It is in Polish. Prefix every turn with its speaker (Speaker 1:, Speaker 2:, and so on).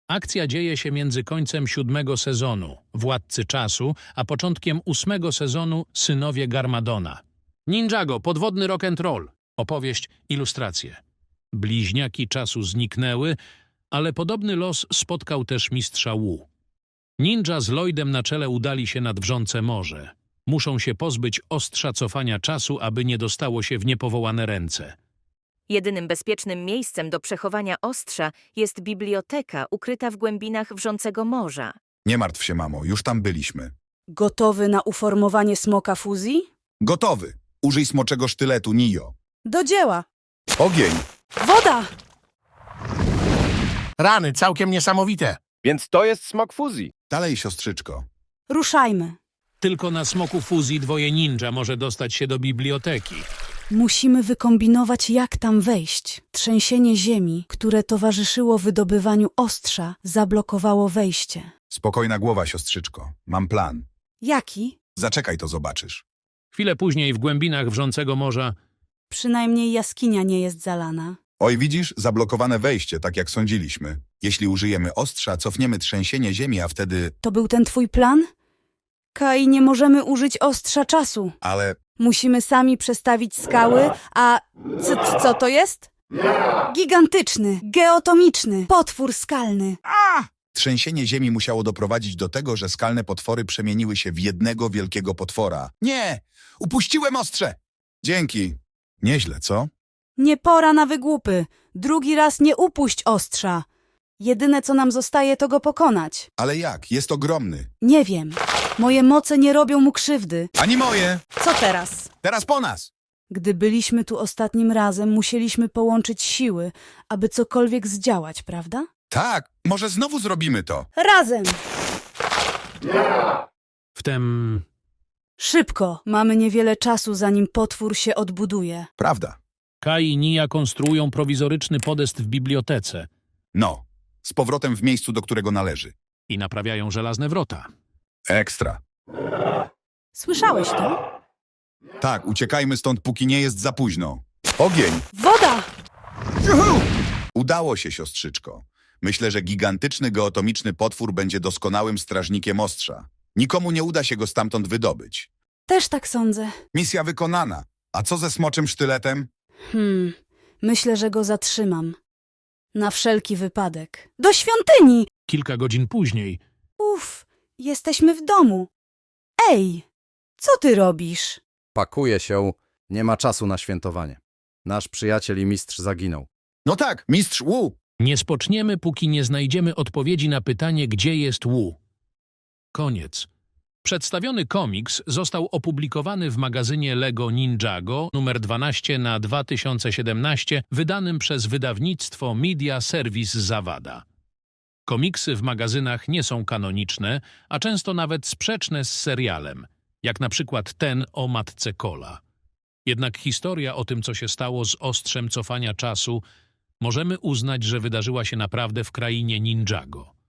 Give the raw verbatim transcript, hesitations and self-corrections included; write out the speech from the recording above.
Speaker 1: Akcja dzieje się między końcem siódmego sezonu Władcy Czasu, a początkiem ósmego sezonu Synowie Garmadona. Ninjago, podwodny rock'n'roll. Opowieść, ilustracje. Bliźniaki czasu zniknęły, ale podobny los spotkał też mistrza Wu. Ninja z Lloydem na czele udali się nad wrzące morze. Muszą się pozbyć ostrza cofania czasu, aby nie dostało się w niepowołane ręce.
Speaker 2: Jedynym bezpiecznym miejscem do przechowania ostrza jest biblioteka ukryta w głębinach wrzącego morza.
Speaker 3: Nie martw się, mamo, już tam byliśmy.
Speaker 4: Gotowy na uformowanie smoka fuzji?
Speaker 3: Gotowy. Użyj smoczego sztyletu, Nio.
Speaker 4: Do dzieła!
Speaker 3: Ogień!
Speaker 4: Woda!
Speaker 5: Rany, całkiem niesamowite.
Speaker 6: Więc to jest smok fuzji.
Speaker 3: Dalej, siostrzyczko.
Speaker 4: Ruszajmy.
Speaker 1: Tylko na smoku fuzji dwoje ninja może dostać się do biblioteki.
Speaker 4: Musimy wykombinować, jak tam wejść. Trzęsienie ziemi, które towarzyszyło wydobywaniu ostrza, zablokowało wejście.
Speaker 3: Spokojna głowa, siostrzyczko. Mam plan.
Speaker 4: Jaki?
Speaker 3: Zaczekaj, to zobaczysz.
Speaker 1: Chwilę później w głębinach wrzącego morza
Speaker 4: Przynajmniej jaskinia nie jest zalana.
Speaker 3: Oj, widzisz? Zablokowane wejście, tak jak sądziliśmy. Jeśli użyjemy ostrza, cofniemy trzęsienie ziemi, a wtedy...
Speaker 4: To był ten twój plan? Kai, nie możemy użyć ostrza czasu.
Speaker 3: Ale...
Speaker 4: Musimy sami przestawić skały, a co, co to jest? Gigantyczny, geotomiczny, potwór skalny.
Speaker 3: Trzęsienie ziemi musiało doprowadzić do tego, że skalne potwory przemieniły się w jednego wielkiego potwora. Nie! Upuściłem ostrze! Dzięki. Nieźle, co?
Speaker 4: Nie pora na wygłupy. Drugi raz nie upuść ostrza. Jedyne, co nam zostaje, to go pokonać.
Speaker 3: Ale jak? Jest ogromny.
Speaker 4: Nie wiem. Moje moce nie robią mu krzywdy.
Speaker 3: Ani moje!
Speaker 4: Co teraz?
Speaker 3: Teraz po nas!
Speaker 4: Gdy byliśmy tu ostatnim razem, musieliśmy połączyć siły, aby cokolwiek zdziałać, prawda?
Speaker 3: Tak, może znowu zrobimy to.
Speaker 4: Razem!
Speaker 1: wtem
Speaker 4: Szybko! Mamy niewiele czasu, zanim potwór się odbuduje.
Speaker 3: Prawda.
Speaker 1: Kai i Nia konstruują prowizoryczny podest w bibliotece
Speaker 3: No, z powrotem w miejscu, do którego należy.
Speaker 1: i naprawiają żelazne wrota.
Speaker 3: Ekstra.
Speaker 4: Słyszałeś to?
Speaker 3: Tak, uciekajmy stąd, póki nie jest za późno. Ogień!
Speaker 4: Woda!
Speaker 3: Juhu! Udało się, siostrzyczko. Myślę, że gigantyczny geotomiczny potwór będzie doskonałym strażnikiem ostrza. Nikomu nie uda się go stamtąd wydobyć.
Speaker 4: Też tak sądzę.
Speaker 3: Misja wykonana. A co ze smoczym sztyletem?
Speaker 4: Hmm, myślę, że go zatrzymam. Na wszelki wypadek. Do świątyni!
Speaker 1: Kilka godzin później
Speaker 4: Uff, jesteśmy w domu. Ej, co ty robisz?
Speaker 7: Pakuje się, nie ma czasu na świętowanie. Nasz przyjaciel i mistrz zaginął.
Speaker 3: No tak, mistrz Wu.
Speaker 1: nie spoczniemy, póki nie znajdziemy odpowiedzi na pytanie, gdzie jest Wu. Koniec. Przedstawiony komiks został opublikowany w magazynie Lego Ninjago numer dwanaście na dwa tysiące siedemnaście, wydanym przez wydawnictwo Media Service Zawada. Komiksy w magazynach nie są kanoniczne, a często nawet sprzeczne z serialem, jak na przykład ten o matce Cola. Jednak historia o tym, co się stało z ostrzem cofania czasu, możemy uznać, że wydarzyła się naprawdę w krainie Ninjago.